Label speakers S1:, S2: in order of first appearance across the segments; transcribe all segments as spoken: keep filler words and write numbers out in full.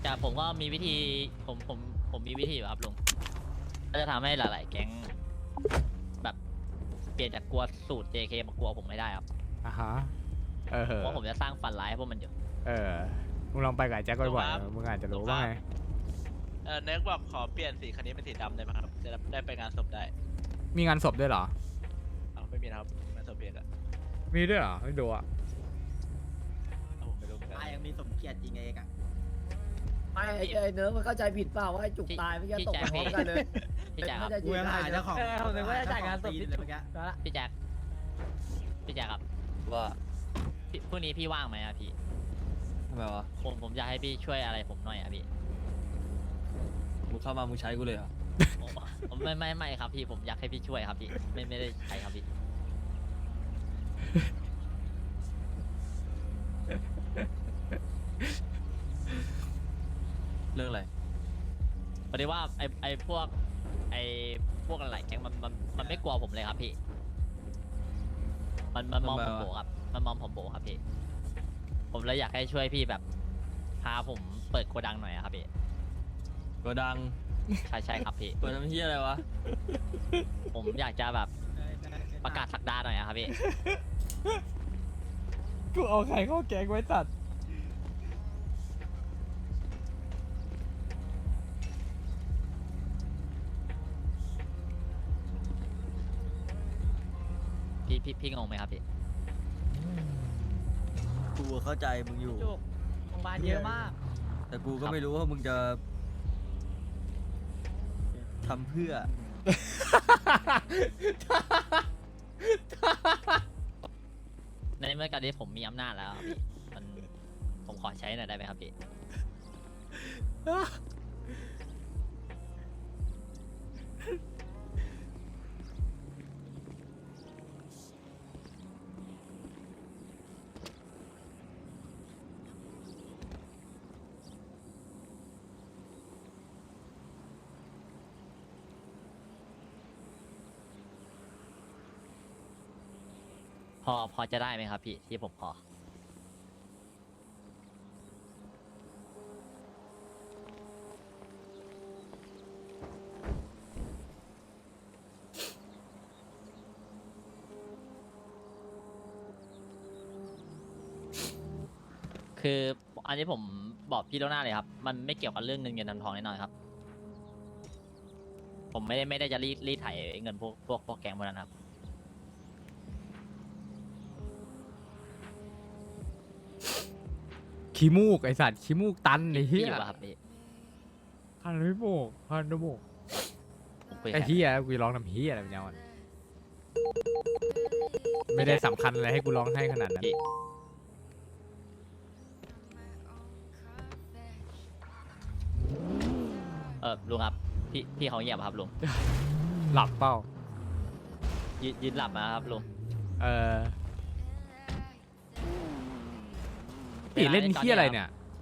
S1: แต่ผมก็มีวิธีผมผมผมมีวิธีอยู่ครับลุงก็จะทำให้หลาย ๆ แก๊งแบบเปลี่ยนจากกลัวสูตร เจ เค มากลัวผมไม่ได้ครับ
S2: อ่ะฮะเออ
S1: เพราะผมจะสร้างฝันร้ายให้พวกมันอยู่
S2: เออมึงลองไปกับไอ้แจ็คบ่อยๆมึงอาจจะรู้ว่าไง
S3: เออเน็กบอกขอเปลี่ยนสีคันนี้เป็นสีดำได้ไหมครับจะได้ไปงานศพได้
S2: มีงานศพด้วยเหรอ
S3: เอาไม่มีนะครับงานศพเพียกอะ
S2: มีด้วยเหรอไม่ดูอ่ะ
S3: เอาผมไม่รู้เหมือนกัน
S4: ตายยังมีสมเกียรติจริงเองอ่ะ
S5: ไม่ไอ้ไอ้เนิร์ฟมันเข้าใจผิดเปล่าว่าไอ้จุกตายไม่ใช่ตกพร้อมกันเลย
S1: พี่แจ็คครับ
S5: เข้าใจ
S4: กู
S5: ผิด
S4: ยังหาเจ้าของ
S5: เออผมนึกว่าจะจ่ายงานศพ
S4: ตี
S5: ที่
S4: เลย
S5: จุก
S4: เมื่อกี้
S5: แล้วละ
S1: พี่แจ็คพี่แจ็คครับ
S6: ว่า
S1: พี่พรุ่งนี้พี่ว่างไหมอะพี่
S6: ทำไมวะ
S1: ผมผมอยากให้พี่ช่วยอะไรผมหน่อยอะพี่
S6: มึงเข้ามามึงใช้กูเลยเหรอ
S1: ผมผมไม่ไม่ไม่ครับพี่ผมอยากให้พี่ช่วยครับพี่ไม่ไม่ได้ใช้ครับพี่
S6: เรื่องอะไร
S1: พอดีว่าไอไอพวกไอพวกอะไรแก๊งมันมันมันไม่กลัวผมเลยครับพี่ มันมันมองผมโบครับมันมองผมโบครับพี่ ผมเลยอยากให้ช่วยพี่แบบพาผมเปิดโกดังหน่อยอะครับพี่
S6: โกดัง
S1: ใช่ใช่ครับพี่
S6: เปิดทำเฮียอะไรวะ
S1: ผมอยากจะแบบประกาศสักดาหน่อยอะครับพี่
S2: กูเอาใครเข้าแกงไว้ตัด
S1: พี่พี่พี่งงไหมครับพี่
S6: กูเข้าใจมึงอยู่
S5: จุกโรงพยาบาลเยอะมาก
S6: แต่กูก็ไม่รู้ว่ามึงจะทำเพื่อ
S1: ในเมื่อการที่ผมมีอำนาจแล้วอะพี่มันผมขอใช้หน่อยได้ไหมครับพี่ พอพอจะได้ไหมครับพี่ที่ผมขอ คืออันนี้ผมบอกพี่ล่วงหน้าเลยครับ มันไม่เกี่ยวกับเรื่องเงินเงินทองแน่นอนครับ ผมไม่ได้ไม่ได้จะรีดรีดไถเงินพวกพวกพวกแก๊งพวกนั้นครับ
S2: ขี้มูกไอสัตว์ขี้มูกตันไอ้เหี้
S1: พี่อย ยู่ป่ะครับพี่
S2: พันไม่โบกพันไม่โบก
S1: ผมคุยกับ
S2: ไอ้
S1: ใคร
S2: เหี้ยกูจะร้องทำเหี้ยอะไรเป็นยังไงไม่ได้สำคัญอะไรให้กูร้องให้ขนาดนั้น
S1: พี่เออลุงครับพี่พี่เขาเงียบครับลุง
S2: หลับเปล่า
S1: ยืนยืนหลับมาครับลุง
S2: เออตีเล่นเหี้ยอะไรเนี่ย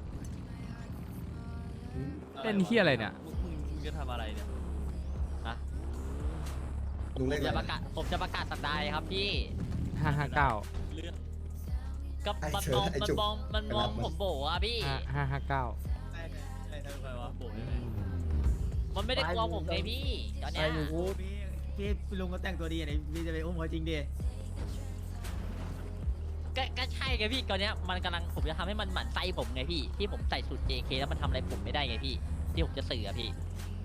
S2: เล่นเหี้ยอะไรเนี่ย
S6: มึงมึงมึงจะทำอะไรเนี่ย
S1: ฮะ
S7: ลุง
S1: ผ
S7: เล่น
S1: ม
S7: อะไร
S1: จะประกาศผมจะประกาศสัปดาห์ครับพี่
S2: ห้าห้าเก้า
S6: เรื่อง
S1: ก็มันมองมันมองมันมองผมโบอ่ะพี่
S2: ห้าห้าห้าเก้า
S6: อะไรทำไมวะโบกยังไง
S1: มันไม่ได้กลัวผมไงพี่ตอนเนี้
S5: ไอ้
S1: ย
S5: อยู่กู
S4: พี่พี่ลุงก็แต่งตัวดีอ่ะพี่จะไปอุ้มเขาจริงดิ
S1: ก็ก็ใช่ไงพี่ตอนเนี้ยมันกำลังผมจะทำให้มันหมั่นไส้ผมไงพี่ที่ผมใส่สูตร เจ เค แล้วมันทำอะไรผมไม่ได้ไงพี่ที่ผมจะสื่ออะพี่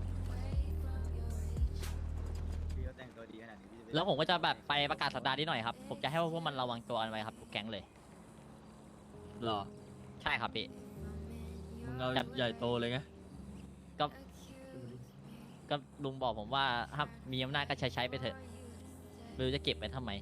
S4: พี่ก็แต่งตัวดีขนาดนี้พี่จะไป
S1: แล้วผมก็จะแบบไปประกาศสัปดาห์นี้หน่อยครับ ผมจะให้พวกมันระวังตัวกันไว้ครับทุกแก๊งเลย
S6: หรอ
S1: ใช่ครับพี่
S6: มึงเอาใหญ่โตเลยไง
S1: ก็ ก็ลุงบอกผมว่าถ้ามีอำนาจก็ใช้ใช้ไปเถอะไม่รู้จะเก็บไว้ทำไม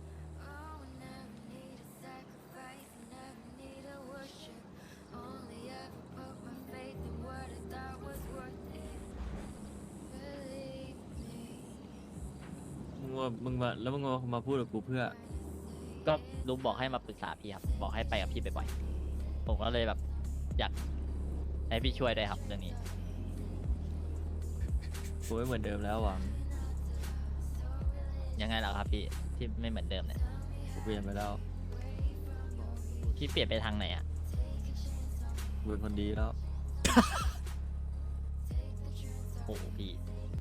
S6: มึงว่ามึงมาแล้วมึงมามาพูดกับกูเพื่อ
S1: ก็ลุงบอกให้มาปรึกษาพี่ครับ บอกให้ไปกับพี่บ่อยๆผมก็เลยแบบ อยากให้พี่ช่วยด้วยครับเรื่องนี้
S6: กูไม่เหมือนเดิมแล้วหวัง
S1: ยังไงล่ะครับพี่ที่ไม่เหมือนเดิมเนี่ย
S6: กูเปลี่ยนไปแล้ว
S1: พี่เปลี่ยนไปทางไหนอ่ะ
S6: กูเป็นคนดีแล้ว
S1: โอ้โหพี่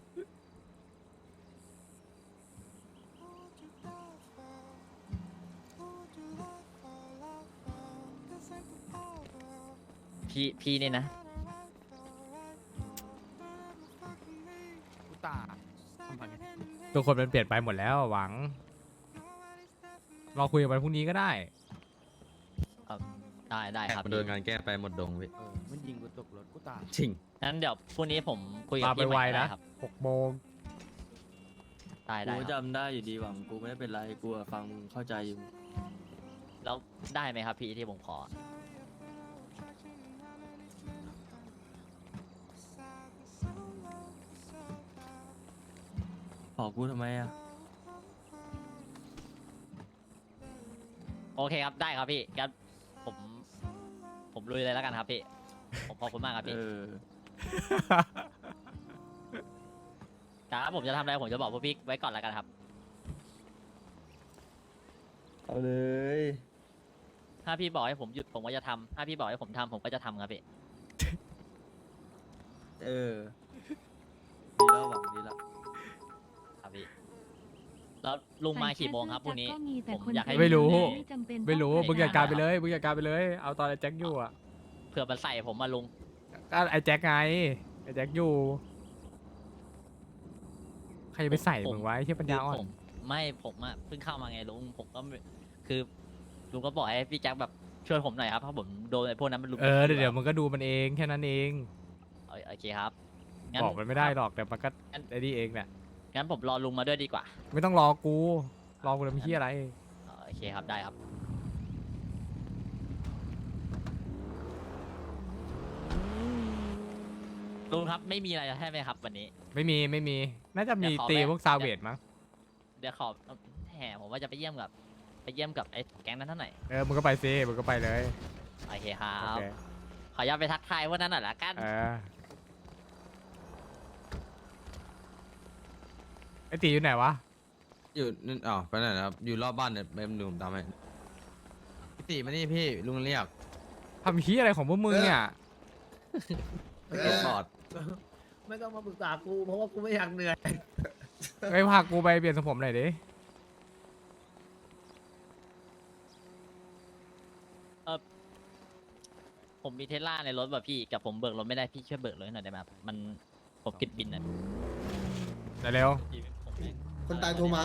S1: พี่พี่นี่นะ
S2: กูตาทุกคนมันเปลี่ยนไปหมดแล้วหวังเราคุยกันวันพรุ่งนี้ก็ได้
S1: ได้ได้ครับ
S7: มันโดนงานแก้ไปหมดดงพี่
S8: เออมันยิงกูตกรถกูตาย
S7: จริง
S1: งั้นเดี๋ยวพรุ่งนี้ผมคุยกับ
S2: มาไป
S1: พี่ให
S2: ไว
S1: ม่ได้
S2: นะครับ หกโมง
S1: ได้
S6: กู
S1: ได้ครับ
S6: จำได้อยู่ดีหวังกูไม่ได้เป็นไรกูอะฟังมึงเข้าใจอยู่
S1: แล้วได้ไหมครับพี่ที่ผมขอ
S6: ขอกูทำไมอะ
S1: โอเคครับได้ครับพี่งั้นผมผมลุยเลยแล้วกันครับพี่ ผมขอบคุณมากครับ
S6: เอ
S1: พี่
S6: อ
S1: ครับผมจะทำอะไรผมจะบอกพวกพี่ไว้ก่อนแล้วกันครับ
S7: เอาเลย
S1: ถ้าพี่บอกให้ผมหยุดผมก็จะทำถ้าพี่บอกให้ผมทำผมก็จะทำครับพี่
S7: เออ
S6: ดีแล้วหวังดีแล้ว
S1: ครับพี่แล้วลุงมากี่โมงครับพรุ่งนี้ ผมอยากให้
S2: ไม่รู้
S1: ไม่จำเป็น
S2: ไม่รู้
S1: ต้อง
S2: มึงจัดการไป
S1: ใส่
S2: เลยมึงจัดการไปเลย เอาตอนไอ้แจ็คอยู่อ่ะ
S1: เผื่อมันใส่ผมมาลุง
S2: ก็ไอ้แจ็คไงไอ้แจ็คอยู่ใครจะไปใส่มึงไว้ที่ปัญญาอ่อ
S1: ผ
S2: น
S1: มไม่ผมอะเพิ่งเข้ามาไงลุงผมก็ไม่คือลุงก็บอกให้พี่แจ็คแบบช่วยผมหน่อยครับเพราะผมโดนไอ้พวกนั้นมันลุม
S2: เออเดี๋ยวเดี๋ยวมันก็ดูมันเองแค่นั้นเอง
S1: โอโอเคครับงั้
S2: บอกมันไม่ได้หรอกแต่มันก็
S1: งั้น
S2: ไอ้นี่เองแหละ
S1: งั้นผมรอลุงมาด้วยดีกว่า
S2: ไม่ต้องรอกูรอกูทำเพี้ยอะไร
S1: อ๋อโอเคครับได้ครับลุงครับไม่มีอะไรใช่ไหมครับ วันนี้
S2: ไม่มีไม่มีน่าจะมี
S1: เดี๋ยวขอ
S2: ตี
S1: แวะ
S2: พวกซาเวดมั้ง
S1: เดี๋ยวขอแหมผมว่าจะไปเยี่ยมกับไปเยี่ยมกับไอ้แก๊งนั้นเท่าไหร่
S2: เออมึงก็ไปซิมึงก็ไปเลย
S1: โอเคครั
S2: โอบ เค
S1: ขออนุญาตไปทักทายพวกนั้นหน่อยละกัน
S2: เออไอ้ตีอยู่ไหนวะ
S7: อยู่นั่นอ๋อไปไหนนะครับ อยู่รอบบ้านเนี่ยไปดูผมตามให้พี่ตีมานี่พี่ลุงเรียก
S2: ทำเพี้ยอะไรของพวกมึงเนี่ย
S7: เก็บปอด
S5: ไม่ต้องมาปรึกษากูเพราะว่ากูไม่อยากเหนื่อย
S2: ไปพากูไปเปลี่ยนทรงผมหน่อยดิ
S1: ผมมีเทสลาในรถแบบพี่กับผมเบิกรถไม่ได้พี่ช่วยเบิกรถให้หน่อยได้ไหมครับมันผมติดบินนะ
S2: เร็ว
S1: พี่ผมไม่
S9: คนตายโทรมา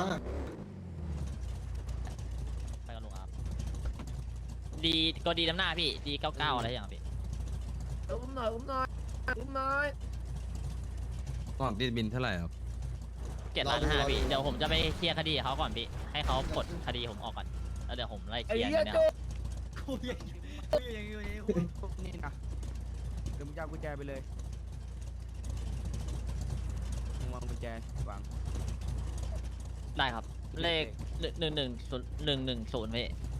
S1: ไปกับลุงครับดีก็ดีน้ำหน้าพี่ดีเก้าเก้าอะไรอย่างพี่
S5: อุ้มหน่อยอุ้มหน่อยอุ้มหน่อย
S7: ก่อนติดบินเท่าไหร่ครับ
S1: เจ็ดล้านห้าพี่เดี๋ยวผมจะไปเคลียร์คดีกับเขาก่อนพี่ให้เขาปลดคดีผมออกก่อนแล้วเดี๋ยวผมไล่เค
S5: ไอ้
S1: ลียร์
S5: เหี้ย
S1: เนี่ย
S5: โจ
S4: คุยอย่างนี้คุยอย่างนี้คุยอย่างนี้คุย
S8: นี่นะเดี๋ยวมึงจะเอากุญแจไปเลยมึงวางกุญแจวาง
S1: ได้ครับเลขหนึ่งหนึ่งศูนย์หนึ่งหนึ่งศูนย์พี่